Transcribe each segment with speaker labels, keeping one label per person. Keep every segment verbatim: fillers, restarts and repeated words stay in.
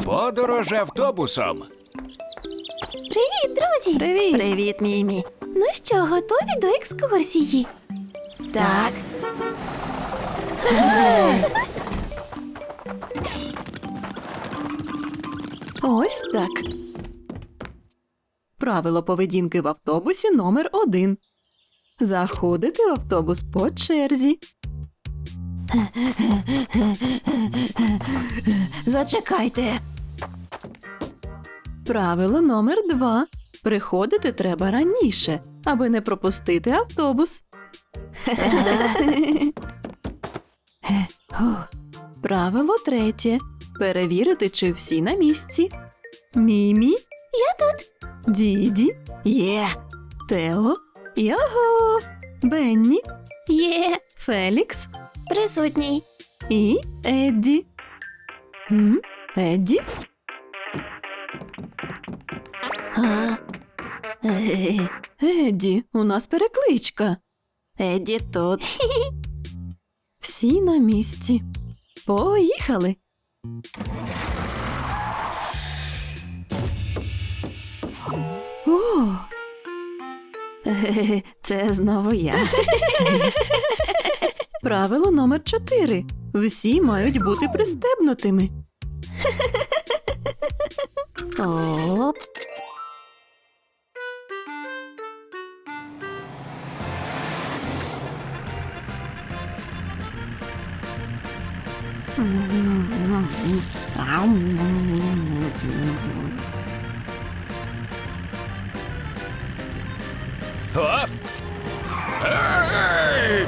Speaker 1: Подорож автобусом.
Speaker 2: Привіт, друзі!
Speaker 3: Привіт!
Speaker 2: Привіт, Мімі! Ну що, готові до екскурсії? Так.
Speaker 3: Ось так. Правило поведінки в автобусі номер один. Заходити в автобус по черзі.
Speaker 2: Зачекайте.
Speaker 3: Правило номер два. Приходити треба раніше, аби не пропустити автобус. Правило третє. Перевірити, чи всі на місці. Мімі.
Speaker 2: Я тут.
Speaker 3: Діді.
Speaker 2: Є.
Speaker 3: Тео. Його. Бенні.
Speaker 2: Є.
Speaker 3: Фелікс.
Speaker 2: Присутній.
Speaker 3: І Едді. М? Едді?
Speaker 2: А? Е,
Speaker 3: Едді, у нас перекличка.
Speaker 2: Едді тут.
Speaker 3: Всі на місці. Поїхали. О! Е, Це знову я. Правило номер чотири. Всі мають бути пристебнутими.
Speaker 2: Оп.
Speaker 1: О! Ей!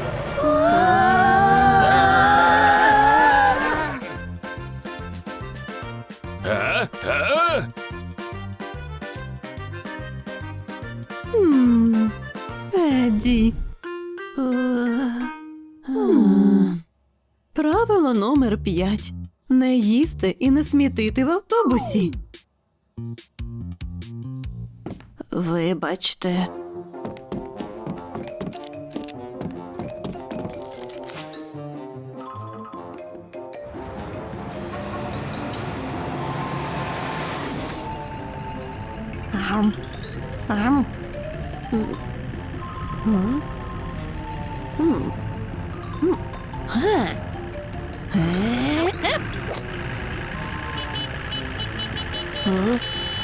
Speaker 1: А? А?
Speaker 3: М, Едді. Е, м. Правило номер п'ять. Не їсти і не смітити в автобусі.
Speaker 2: Вибачте.
Speaker 3: Ам. Ам. М. М. М. М. Га.
Speaker 2: Е, еп. О.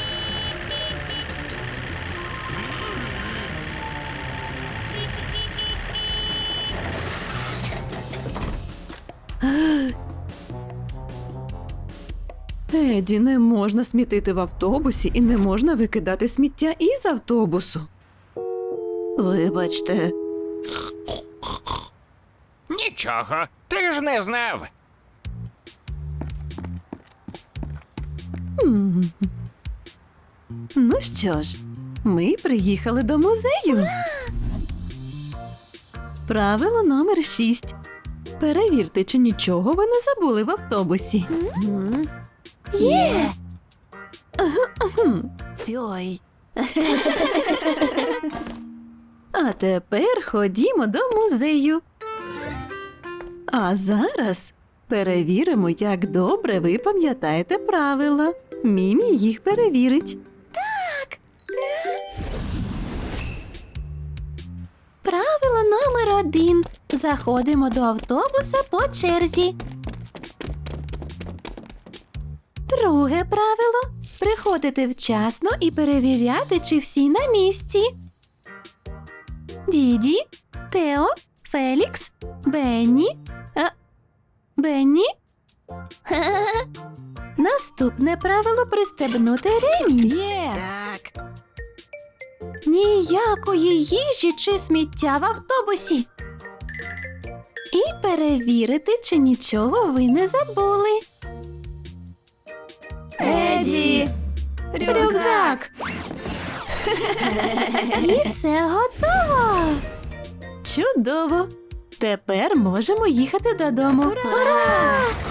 Speaker 3: Еді, не можна смітити в автобусі і не можна викидати сміття із автобусу.
Speaker 2: Вибачте.
Speaker 1: Нічого, ти ж не знав.
Speaker 3: М. Ну що ж, ми приїхали до музею. Правило номер шість. Перевірте, чи нічого ви не забули в автобусі.
Speaker 2: М. Є.
Speaker 3: Хм.
Speaker 2: Ой.
Speaker 3: А тепер ходімо до музею. А зараз перевіримо, як добре ви пам'ятаєте правила. Мімі їх перевірить.
Speaker 2: Правило номер один. Заходимо до автобуса по черзі. Друге правило. Приходити вчасно і перевіряти, чи всі на місці. Діді, Тео, Фелікс, Бенні. А, Бенні? Наступне правило – пристебнути ремінь.
Speaker 3: Є!
Speaker 2: Так. Ніякої їжі чи сміття в автобусі. І перевірити, чи нічого ви не забули.
Speaker 3: Еді!
Speaker 2: Рюкзак! І все готово!
Speaker 3: Чудово! Тепер можемо їхати додому.
Speaker 2: Ура!